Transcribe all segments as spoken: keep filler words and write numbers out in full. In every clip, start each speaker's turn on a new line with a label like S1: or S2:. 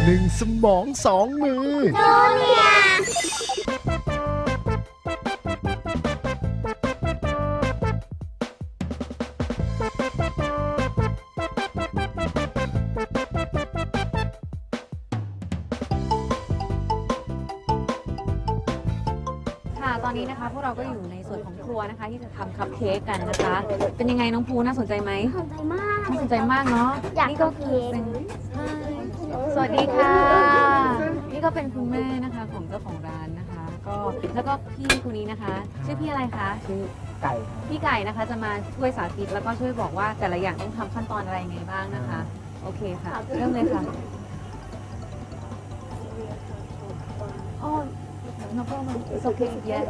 S1: หนึ่งสมองสองมือ
S2: จูเนียร์
S3: ตอนนี้นะคะพวกเราก็อยู่ในส่วนของครัวนะคะที่จะทำคัพเค้กกันนะคะ เป็นยังไงน้องภูน่าสนใจไหม
S2: น่าสนใจมาก
S3: น่าสนใจมากเนาะ
S2: นี่ก็คือเป็น
S3: สวัสดีค่ะนี่ก็เป็นคุณแม่นะคะของเจ้าของร้านนะคะก็แล้วก็พี่คนนี้นะคะชื่อพี่อะไรคะ
S4: ชื่อไก่
S3: พี่ไก่นะคะจะมาช่วยสาธิตแล้วก็ช่วยบอกว่าแต่ละอย่างต้องทำขั้นตอนอะไรยังไงบ้างนะคะโอเคค่ะเริ่มเลยค่ะอ๋อno problem it's okay yeah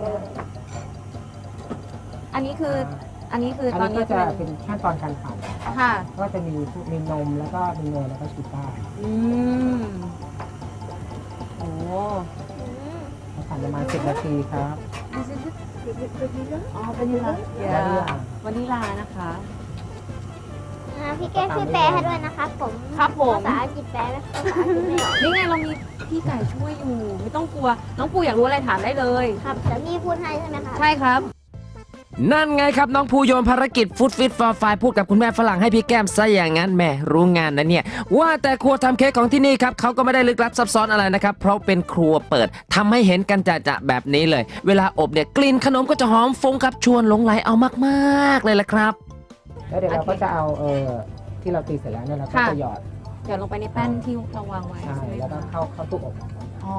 S3: อันนี้คืออันนี้คือตอนนี้
S4: ก็จะเป็นขั้นตอนการปั่น
S3: ค่ะ
S4: ก็จะมีมีนมแล้วก็มีเนยแล้วก็ชูการ์
S3: อืมโอ้
S4: ปั่นประมาณสิบนาทีครับ
S3: อ๋อเป็นยังไงวานิลานะคะ
S2: พี่แก้ช่วยแปลให้ด้วยนะคะผม
S3: ครับผม
S2: ภาษาอังกฤษแปลไม่ภาษาอังกฤษไม่ออก
S3: นี่ไงเรามีพี่ไก่ช่วยอยู่ไม่ต้องกลัวน้องปูอยากรู้อะไรถามได้เลย
S2: ครับแต่พี่พูดให้ใช่ไหมคะ
S3: ใช่ครับ
S5: นั่นไงครับน้องภูโยนภารกิจฟุตฟิตฟอร์ไฟพูดกับคุณแม่ฝรั่งให้พี่แก้มซะอย่างนั้นแม่รู้งานนะเนี่ยว่าแต่ครัวทำเค้กของที่นี่ครับเขาก็ไม่ได้ลึกลับซับซ้อนอะไรนะครับเพราะเป็นครัวเปิดทำให้เห็นกันจะๆแบบนี้เลยเวลาอบเนี่ยกลิ่นขนมก็จะหอมฟุ้งครับชวนหลงไหลเอามากๆเลยละครับ
S4: แล้วเดี๋ยวเราก็จะเอาเออที่เราตีเสร็จแล้วเนี่ยเราก็จะหยอด
S3: หยอดลงไปในแป้นที่เราวางไว้
S4: ใช่แล้วก็เข้าเข้าตู้อบ
S3: อ๋อ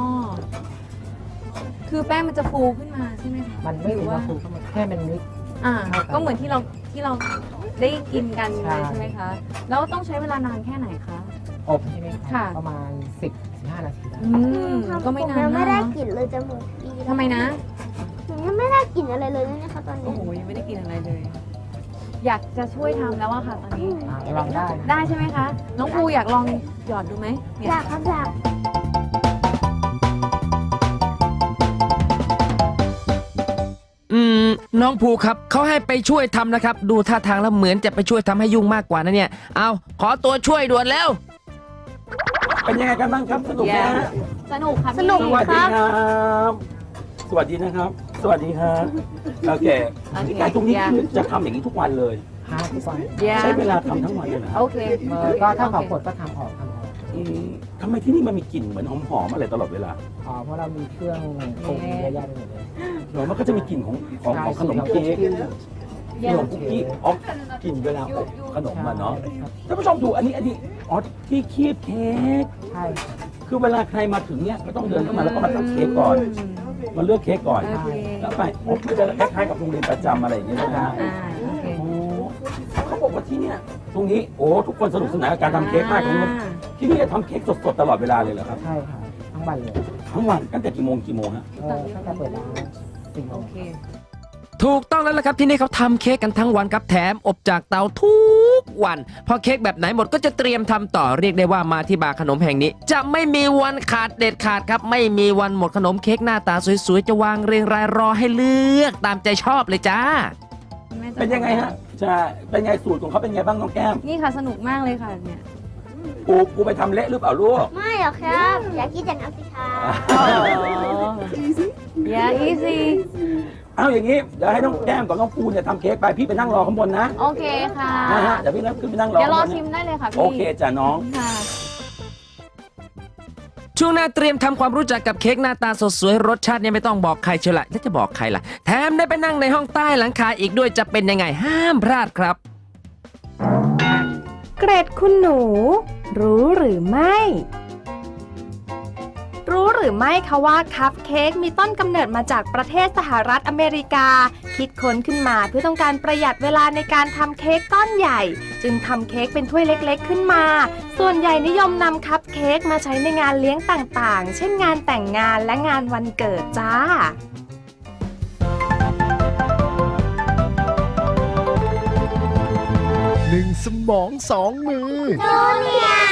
S3: คือแป้งมันจะฟูขึ้นมาใช่ไหมคะ
S4: มันไม่ถึงว่าฟูเข้ามาแค่มันนิด
S3: อ่าก็เหมือนที่เราที่เราได้กินกันเลยใช่ไหมคะแล้วต้องใช้เวลานานแค่ไหนคะ
S4: อบใช่ไหมคะประมาณสิบถึงห้านาที
S3: อืมก็ไม่นานนะ
S2: ไม่ได้กลิ่นเลยจมูกดี
S3: ทำไมนะ
S2: หนูยังไม่ได้กลิ่นอะไรเลยนะคะตอนนี้
S3: โอ้โหยังไม่ได้กินอะไรเลยอยากจะช่วยทำแล้วอะค่ะตอนนี้
S4: ลองได้
S3: ได้ใช่ไหมคะน้องภูอยากลองหยอดดูไหม
S2: อยากครับอยาก
S5: อืมน้องภูครับเขาให้ไปช่วยทำนะครับดูท่าทางแล้วเหมือนจะไปช่วยทำให้ยุ่งมากกว่านะเนี่ยเอาขอตัวช่วยด่วนแล้ว
S6: เป็นยังไงกันบ้างครับสนุกไหมฮะ
S3: สนุกครับ
S2: สนุก
S6: สวัสดีครับสวัสดีนะครับสวัสดีครับโอเคพี่ไก่ตรงนี้คือจะทำอย่างนี้ทุกวันเลย
S4: ทุกวัน
S6: ใช้เวลาทำทั้งวันเลยนะ
S3: โอเค
S4: ก็ถ้าขอผลก็ทำออกทำออก
S6: ทำไมที่นี่มันมีกลิ่นเหมือนหอมๆอะไรตลอดเวลา
S4: อ๋อเพราะเรามีเครื่องปรุงเยอะแยะไปหมดเลย
S6: เดี๋ยวมันก็จะมีกลิ่นของของของขนมเค้กขนมคุกกี้อ๋อกลิ่นเวลาอบขนมมาเนาะท่านผู้ชมดูอันนี้อันนี้อ๋อที่คีบเค้ก
S4: ใช่
S6: คือเวลาใครมาถึงเนี่ยก็ต้องเดินเข้ามาแล้วก็มาตัดเค้กก่อนมาเลือกเค้กก่อนแล้วไปอ๋อมันจะคล้ายๆกับโรงเรียนประจำอะไรอย่างเงี้ยนะฮะเขาบอกว่าที่เนี่ยตรงนี้โอ้ทุกคนสนุกสนานกับการทำเค้กมากตรงนี้ที่นี่จะทำเค้กสดๆตลอดเวลาเลยเหรอครับ
S4: ใช่ค่ะทั้งวันเลย
S6: ทั้งวันตั้งแต่กี่โมงกี่โมงฮะ
S4: ตั้งแต่เปิดร้านสี่โมง
S5: ถูกต้องแล้วล่ะครับที่นี่เขาทำเค้กกันทั้งวันครับแถมอบจากเตาทุกวันพอเค้กแบบไหนหมดก็จะเตรียมทำต่อเรียกได้ว่ามาที่บาร์ขนมแห่งนี้จะไม่มีวันขาดเด็ดขาดครับไม่มีวันหมดขนมเค้กหน้าตาสวยๆจะวางเรียงรายรอให้เลือกตามใจชอบเลยจ้า
S6: เป็นยังไงฮะใช่เป็นไงสูตรของเขาเป็นไงบ้างน้องแก้ม
S3: นี่ค่ะสนุกมากเลยค่ะเนี่ย
S6: กูกูไปทำเละหรือเปล่าลูก
S2: ไม่หรอกครับอยากกินแต่น้ำสิคะ
S3: อย่า easy
S6: เอาอย่างนี้เดี๋ยวให้น้องแก้มกับน้องปูเนี่ยทำเค้กไปพี่ไปนั่งรอข้างบนนะ
S3: โอเคค่ะ
S6: นะฮะเดี๋ยวพี่นั่งขึ้นไปนั่งรอ
S3: เดี๋ยวรอชิมได้เลยค่ะพี่
S6: โอเคจ้ะน้อง
S3: ค่ะ
S5: ช่วงหน้าเตรียมทำความรู้จักกับเค้กหน้าตาสดสวยรสชาติเนี่ยไม่ต้องบอกใครเชียวละถ้าจะบอกใครล่ะแถมได้ไปนั่งในห้องใต้หลังคาอีกด้วยจะเป็นยังไงห้ามพลาดครับ
S7: เกรดคุณหนูรู้หรือไม่รู้หรือไม่คะว่าคัพเค้กมีต้นกำเนิดมาจากประเทศสหรัฐอเมริกาคิดค้นขึ้นมาเพื่อต้องการประหยัดเวลาในการทำเค้กก้อนใหญ่จึงทำเค้กเป็นถ้วยเล็กๆขึ้นมาส่วนใหญ่นิยมนำคัพเค้กมาใช้ในงานเลี้ยงต่างๆเช่นงานแต่งงานและงานวันเกิดจ้า
S1: หนึ่งสมองสองมือ
S2: จูเนียร์